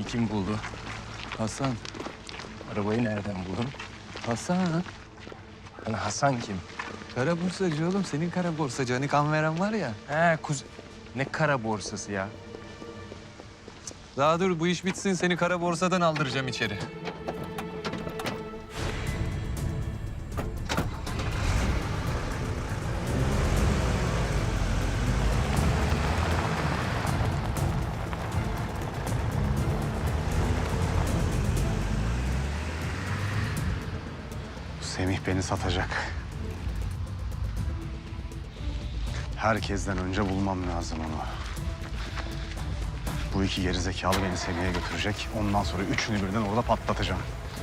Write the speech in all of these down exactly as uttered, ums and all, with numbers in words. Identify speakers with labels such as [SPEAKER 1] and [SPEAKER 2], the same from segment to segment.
[SPEAKER 1] arabayı kim buldu? Hasan. Arabayı nereden buldun? Hasan. Hani Hasan kim?
[SPEAKER 2] Kara borsacı oğlum. Senin kara borsacı. Hani kan veren var ya.
[SPEAKER 1] He kuz... Ne kara borsası ya?
[SPEAKER 2] Daha dur bu iş bitsin. Seni kara borsadan aldıracağım içeri.
[SPEAKER 3] Semih beni satacak. Herkesten önce bulmam lazım onu. Bu iki gerizekalı beni Semih'e götürecek. Ondan sonra üçünü birden orada patlatacağım.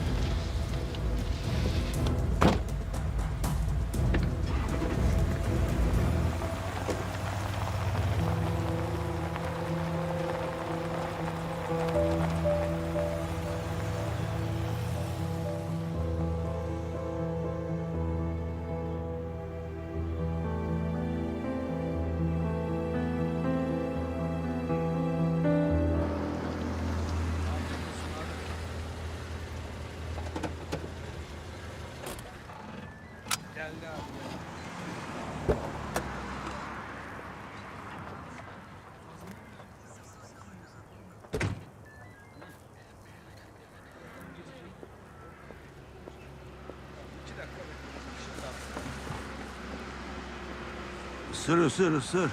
[SPEAKER 4] Isır, ısır, ısır.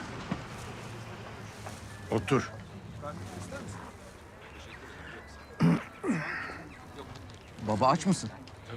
[SPEAKER 4] Otur.
[SPEAKER 5] Baba aç mısın?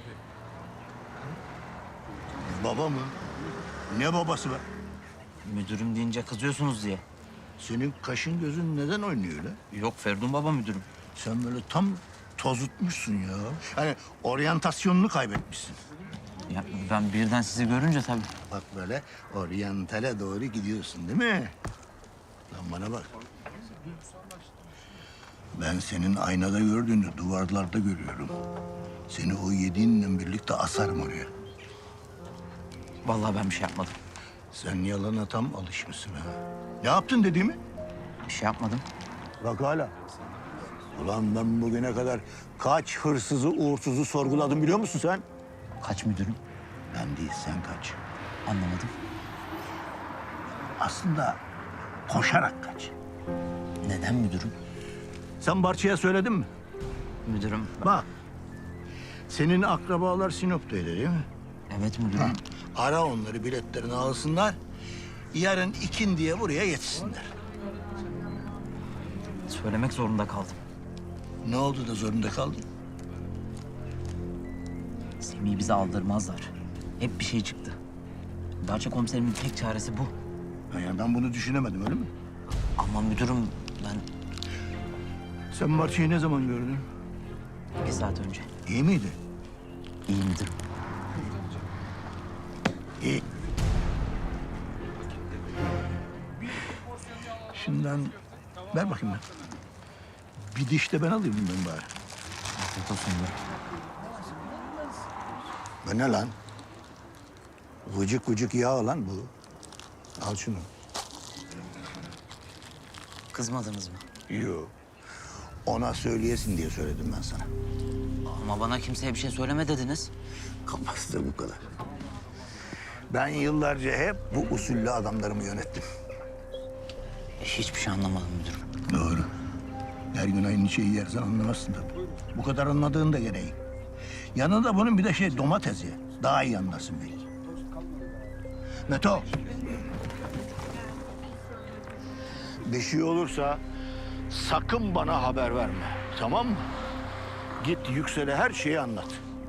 [SPEAKER 4] Baba mı? Ne babası be?
[SPEAKER 5] Müdürüm deyince kızıyorsunuz diye.
[SPEAKER 4] Senin kaşın gözün neden oynuyor öyle?
[SPEAKER 5] Yok Ferdun baba müdürüm.
[SPEAKER 4] Sen böyle tam tozutmuşsun ya. Hani oryantasyonunu kaybetmişsin.
[SPEAKER 5] Ya ben birden sizi görünce tabii.
[SPEAKER 4] Bak böyle oryantale doğru gidiyorsun değil mi? Lan bana bak. Ben senin aynada gördüğünü duvarlarda görüyorum. Seni o yediğinle birlikte asarım oraya.
[SPEAKER 5] Vallahi ben bir şey yapmadım.
[SPEAKER 4] Sen yalana tam alışmışsın ha. Ne yaptın dediğimi?
[SPEAKER 5] Bir şey yapmadım.
[SPEAKER 4] Bak hala. Ulan ben bugüne kadar kaç hırsızı, uğursuzu sorguladım biliyor musun sen?
[SPEAKER 5] Kaç müdürüm?
[SPEAKER 4] Ben değil, sen kaç.
[SPEAKER 5] Anlamadım.
[SPEAKER 4] Aslında koşarak kaç.
[SPEAKER 5] Neden müdürüm?
[SPEAKER 4] Sen Barça'ya söyledin mi?
[SPEAKER 5] Müdürüm.
[SPEAKER 4] Bak, senin akrabalar Sinop'taydı değil mi?
[SPEAKER 5] Evet müdürüm.
[SPEAKER 4] Ara onları, biletlerini alsınlar. Yarın ikindiye buraya yetişsinler.
[SPEAKER 5] Söylemek zorunda kaldım.
[SPEAKER 4] Ne oldu da zorunda kaldın?
[SPEAKER 5] Semih'i bize aldırmazlar. Hep bir şey çıktı. Barça komiserimin tek çaresi bu.
[SPEAKER 4] Ha, Yani ben bunu düşünemedim öyle mi?
[SPEAKER 5] Ama müdürüm ben
[SPEAKER 4] Sen Barça'yı ne zaman gördün?
[SPEAKER 5] bir saat önce.
[SPEAKER 4] İyi miydi?
[SPEAKER 5] İyi müdürüm.
[SPEAKER 4] İyi. Şimdiden ver bakayım ben. Bir diş de ben alayım bundan bari.
[SPEAKER 5] Afiyet olsun müdürüm.
[SPEAKER 4] Bu ne lan? Vıcık vıcık yağ lan bu. Al şunu.
[SPEAKER 5] Kızmadınız mı?
[SPEAKER 4] Yok. Ona söyleyesin diye söyledim ben sana.
[SPEAKER 5] Ama bana kimseye bir şey söyleme dediniz.
[SPEAKER 4] Kafası da bu kadar. Ben yıllarca hep bu usulle adamlarımı yönettim.
[SPEAKER 5] Hiçbir şey anlamadım müdürüm.
[SPEAKER 4] Doğru. Her gün aynı şeyi yersen anlamazsın tabii. Bu kadar anladığın da gereği. Yanında bunun bir de şey domates ye. Daha iyi anlarsın belki. Meto. Bir şey olursa sakın bana haber verme. Tamam mı? Git Yüksel'e her şeyi anlat.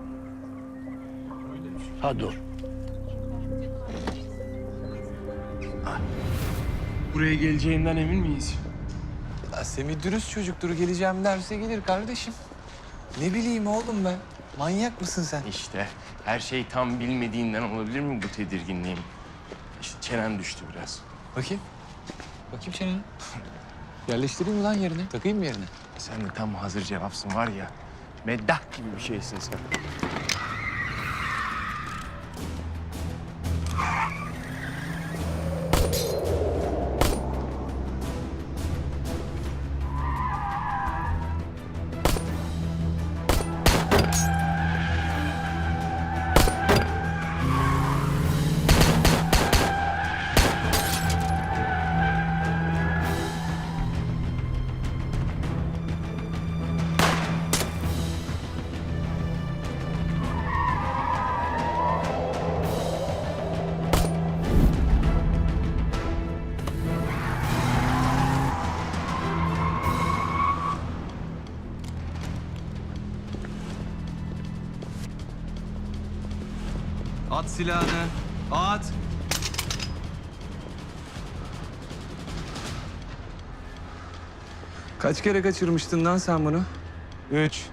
[SPEAKER 4] Hadi dur.
[SPEAKER 1] Buraya geleceğinden emin miyiz?
[SPEAKER 2] Ya Semih dürüst çocuktur. Geleceğim derse gelir kardeşim. Ne bileyim oğlum ben. Manyak mısın sen?
[SPEAKER 1] İşte her şey tam bilmediğinden olabilir mi bu tedirginliğim? İşte çenen düştü biraz.
[SPEAKER 2] Bakayım. Bakayım çeneni. Yerleştireyim mi lan yerine? Takayım mı yerine?
[SPEAKER 1] Sen de tam hazır cevapsın var ya. Meddah gibi bir şeysin sen.
[SPEAKER 2] At silahını. At. Kaç kere kaçırmıştın lan sen bunu?
[SPEAKER 1] Üç.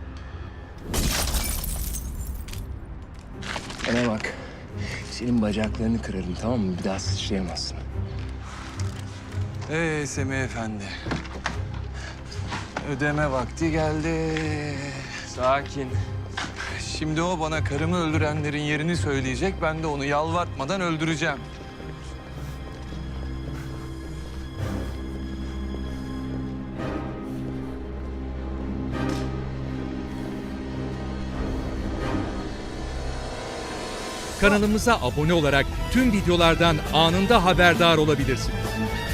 [SPEAKER 1] Bana bak. Senin bacaklarını kırarım, tamam mı? Bir daha sıçrayamazsın.
[SPEAKER 2] Ee Semih Efendi. Ödeme vakti geldi.
[SPEAKER 1] Sakin.
[SPEAKER 2] Şimdi o bana karımı öldürenlerin yerini söyleyecek. Ben de onu yalvartmadan öldüreceğim.
[SPEAKER 6] Kanalımıza abone olarak tüm videolardan anında haberdar olabilirsiniz.